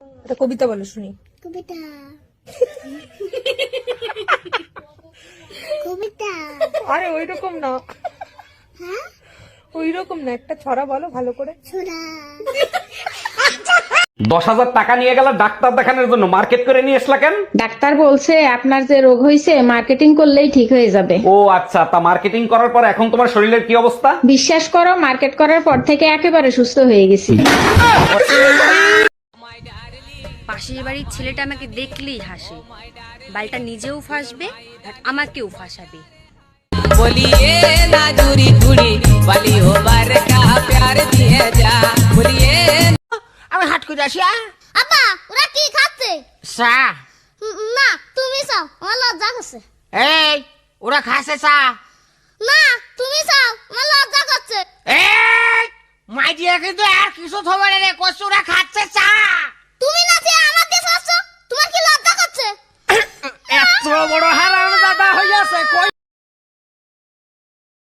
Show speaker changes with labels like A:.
A: একটা কবিতা বলো শুনি।
B: কবিতা কবিতা
A: আরে ওইরকম না,
B: হ্যাঁ
A: ওইরকম না, একটা ছড়া বলো ভালো করে।
B: ছোড়া
C: 10,000 টাকা নিয়ে গেল ডাক্তার দেখানোর জন্য, মার্কেট করে নিয়ে আসলা কেন?
D: ডাক্তার বলছে আপনার যে রোগ হয়েছে মার্কেটিং করলেই ঠিক হয়ে যাবে।
C: ও আচ্ছা, তা মার্কেটিং করার পর এখন তোমার শরীরের কি অবস্থা?
D: বিশ্বাস করো, মার্কেট করার পর থেকে একেবারে সুস্থ হয়ে গেছি।
E: পাশের বাড়ির ছেলেটা আমাকে দেখলেই হাসে, বালটা নিজেও ফাঁসবে আর আমাকেও ফাঁসাবে।
F: बोलिए ना दूरी दूरी वाली हो बार का प्यार दिए जा बोलिए।
G: আমি হাট করে আসি।
B: আপা ওরা কি খাচ্ছে?
G: চা।
B: না তুমি চাও, আমার লজ্জা করছে।
G: এই ওরা খাসে চা।
B: না তুমি চাও, আমার লজ্জা করছে।
G: এই মাই দিয়ে কিন্তু আর কিছু থবে রে, কষ্ট ওরা খাচ্ছে চা।
B: তুমি না যে আমাকে চাচ্ছ, তোমার কি লজ্জা করছে?
G: এত বড় হারাম দাদা হইয়াছে কই